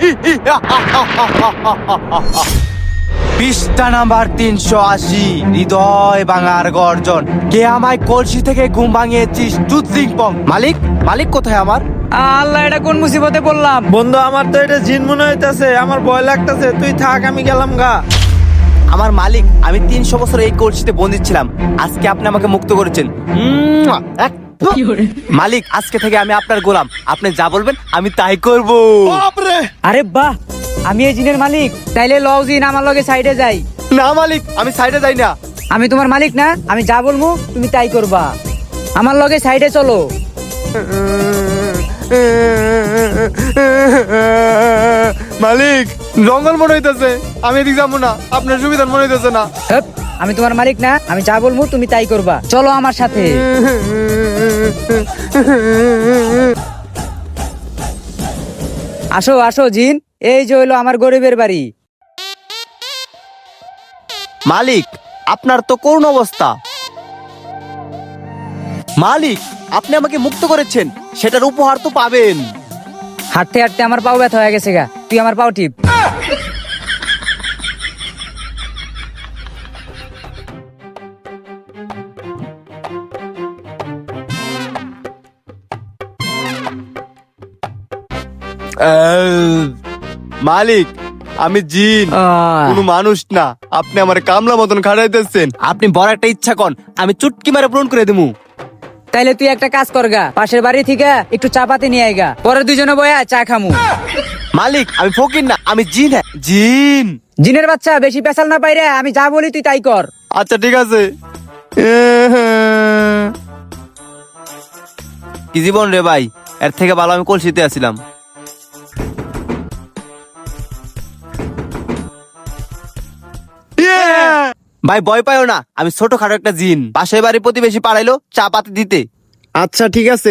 পৃষ্ঠা নাম্বার 380, হৃদয় ভাঙার গর্জন। কে আমায় কলসি থেকে ঘুম ভাঙিয়েছিস? টুথিং পং। মালিক, মালিক কোথায় আমার? আল্লাহ, এটা কোন মুসিবতে পড়লাম। বন্ধু, আমার তো এটা জিন মনে হইতাছে, আমার ভয় লাগতাছে। তুই থাক, আমি গেলাম গা। আমার মালিক, আমি 300 বছর এই কলসিতে বন্দী ছিলাম। আজকে আপনি আমাকে মুক্ত করেছেন। মালিক, আজকে থেকে আমি আপনার গোলাম। আপনি যা বলবেন আমি তাই করব। আরে বাহ, আমি এই জিনের মালিক। তাইলে লও জিন, আমার লগে সাইডে যাই। না মালিক, আমি সাইডে যাই না। আমি তোমার মালিক না? আমি যা বলবো তুমি তাই করবা। আমার লগে সাইডে চলো। মালিক, জঙ্গল মনে হইতেছে, আমি এদিক যাবো না। আপনার সুবিধা মনে হইতেছে না। হেপ, আমি তোমার মালিক না? আমি যা বলবো তুমি তাই করবা। চলো আমার সাথে। আসো আসো জিন, এই যে হইলো আমার গরিবের বাড়ি। মালিক, আপনার তো করুণ অবস্থা। মালিক, আপনি আমাকে মুক্ত করেছেন, সেটার উপহার তো পাবেন। হাঁটতে হাঁটতে আমার পাও ব্যথা হয়ে গেছে গা, তুই আমার পাও টিপ। মালিক, আমি জিন, কোনো মানুষ না। আপনি আমার কামলা মতন খাড়াইতেছেন। আপনি বড় একটা ইচ্ছা কন, আমি চুটকি মারে পূরণ করে দেবো। তাইলে তুই একটা কাজ করগা, পাশের বাড়ি থেকে একটু চা পাতি নিয়ে আইগা, পরে দুজনে বয়া চা খামু। মালিক, আমি ফকির না, আমি জিন। হ্যাঁ, জিন। জিনের বাচ্চা, বেশি পেশাল না পাইরে, আমি যা বলি তুই তাই কর। আচ্ছা ঠিক আছে। কি জীবন রে ভাই, এর থেকে ভালো আমি কলসিতে আছিলাম। ভাই ভয় পাইও না, আমি ছোটখাটো একটা জিন। পাশের বাড়ি প্রতিবেশী পাড়াইলো চা পাতি দিতে। আচ্ছা ঠিক আছে।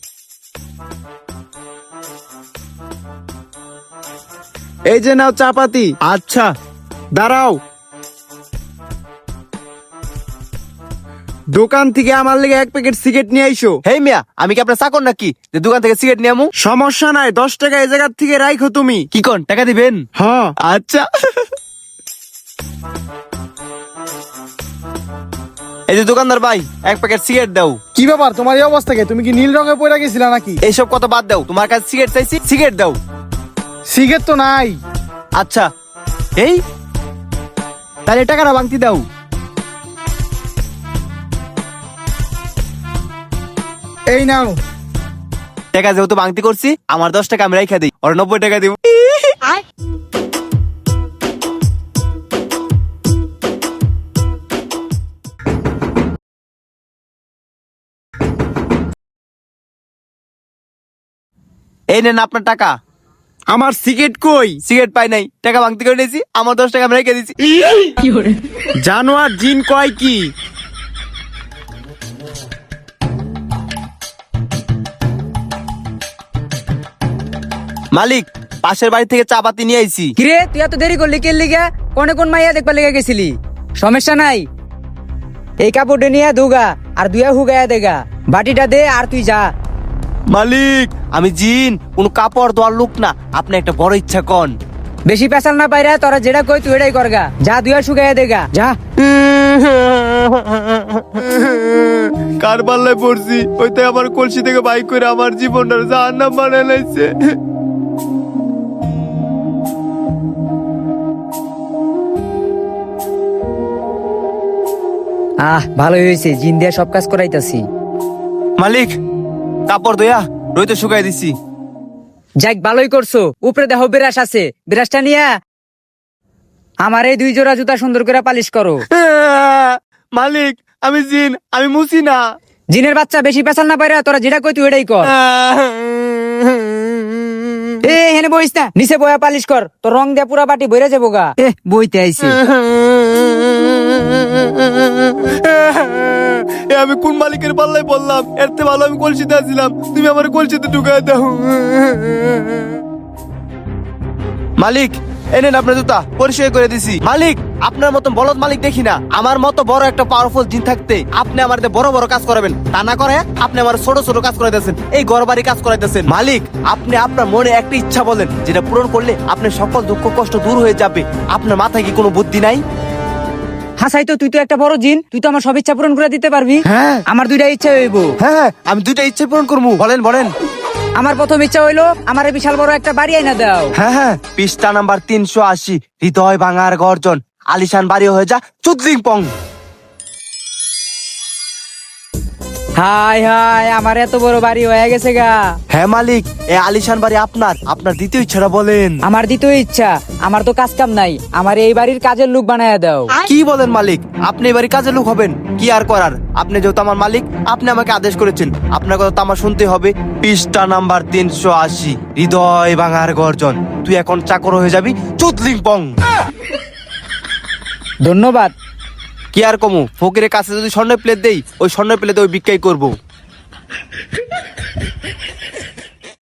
এই যে নাও চা পাতি। আচ্ছা দাঁড়াও, দোকান থেকে আমার লেগে 1 প্যাকেট সিগারেট নিয়ে আইসো। হেই মিয়া, আমি কি আপনার চাকর নাকি যে দোকান থেকে সিগারেট নিয়ে আমু? সমস্যা নাই, 10 টাকা এই জায়গার থেকে রাইখো তুমি। কি কোন টাকা দিবেন? হ্যাঁ। আচ্ছা। এই যে দোকানদার ভাই, 1 প্যাকেট সিগারেট দাও। কি ব্যাপার, তোমার এই অবস্থা কে? তুমি কি নীল রঙে পড়ে গেছিলা নাকি? এইসব কথা বাদ দাও, তোমার কাছে সিগারেট চাইছি, সিগারেট দাও। সিগারেট তো নাই। আচ্ছা, এই তাহলে টাকাটা ভাঙতি দাও। এই নাও। টাকা যেহেতু ভাঙতি করছি, আমার 10 টাকা আমি রাইখা দিই, ওর 90 টাকা দিব। এই নেন আপনার টাকা। আমার সিগারেট কই? সিগারেট পাই নাই, টাকা ভাঙতি করে নিয়েছি, আমার 10 টাকা আমি রেখে দিয়েছি। জানোয়ার জিন কয় কি? মালিক, পাশের বাড়ি থেকে চা পাতি নিয়ে আইছি। কিরে, তুই এত দেরি করলি কে লিগা? কোন মাইয়া দেখবার লেগে গেছিলি? সমস্যা নাই, এই কাপড়টা নিয়ে ধুগা আর দুয়া হুগায়া দেগা। বাটিটা দে আর তুই যা। মালিক, আমি জিন, কোন কাপড় দেওয়ার লোক না। আপনি একটা বড় ইচ্ছা কন। বেশি পেশাল না পাইরা, তোরা যেটা কই তুই এটাই করগা। যা, দুয়া শুকাইয়া দেগা, যা। কার পাল্লায় পড়ছি, ওইতে আমার কলসি থেকে বাইক করে আমার জীবনটা জাহান্নাম বানায় লাইছে। ভালোই হয়েছে, জিন দিয়া সব কাজ করাইতাছি। মালিক, কাপড় দয়া রইতে শুকাই দিছি। যাক, ভালোই করছো। উপরে দেখো বিরাস আছে, বিরাসটা নিয়া আমার এই 2 জোড়া জুতা সুন্দর করে পালিশ করো। মালিক, আমি জিন, আমি মুছি না। জিনের বাচ্চা, বেশি পেশাল না পাইরা, তোরা যেটা কই তুই এটাই কর। হেনে বইস না, নিচে বয়া পালিশ কর, তোর রং দিয়া পুরা বাটি বইরা যাবো গা। বইতে আইছি। আমি কোন মালিকের পাল্লায় বললাম? এর থেকে ভালো আমি কলসিতে আসছিলাম, তুমি আমার কলসিতে ঢুকাই দাও। মালিক, এনেন আপনার জুতা, পরিষ্কার করে দিছি। মালিক, আপনার মতন বলদ মালিক দেখি না। আমার মতো বড় একটা পাওয়ারফুল জিন থাকতে আপনি আমার বড় বড় কাজ করাবেন, তা না করে আপনি আমার ছোট ছোট কাজ করাইতেছেন, এই ঘর বাড়ি কাজ করাইতেছেন। মালিক, আপনি আপনার মনে একটা ইচ্ছা বলেন, যেটা পূরণ করলে আপনার সকল দুঃখ কষ্ট দূর হয়ে যাবে। আপনার মাথায় কি কোনো বুদ্ধি নাই? হাসাই তো, তুই তো একটা বড় জিন, তুই তো আমার সব ইচ্ছা পূরণ করে দিতে পারবি। হ্যাঁ। আমার দুইটা ইচ্ছা হইব। হ্যাঁ, আমি দুইটা ইচ্ছে পূরণ করবো। বলেন বলেন। আমার প্রথম ইচ্ছা হইলো আমার বিশাল বড় একটা বাড়ি আইনা দাও। হ্যাঁ, পৃষ্ঠা নাম্বার 380, হৃদয় ভাঙার গর্জন, আলিশান বাড়ি হয়ে যা চুদলিং পং। হাই হাই, আমার এত বড় বাড়ি হয়ে গেছে গা। হ্যাঁ মালিক, এই আলিশান বাড়ি আপনার। আপনার দ্বিতীয় ইচ্ছাটা বলেন। আমার দ্বিতীয় ইচ্ছা, আমার তো কাজ কাম নাই, আমার এই বাড়ির কাজের লোক বানায়া দাও। কি বলেন মালিক? আপনি এবারে কাজের লোক হবেন? কি আর করার, আপনি যেহেতু আমার মালিক, আপনি আমাকে আদেশ করেছেন, আপনার কথা তো আমার শুনতে হবে। পৃষ্ঠা নাম্বার 380, হৃদয় ভাঙার গর্জন, তুই এখন চাকর হয়ে যাবি চুদলিং পং। ধন্যবাদ। কি আর কমু, ফকিরের কাছে যদি স্বর্ণ প্লেট দেই, ওই স্বর্ণ প্লেটে ওই ভিক্ষাই করবো।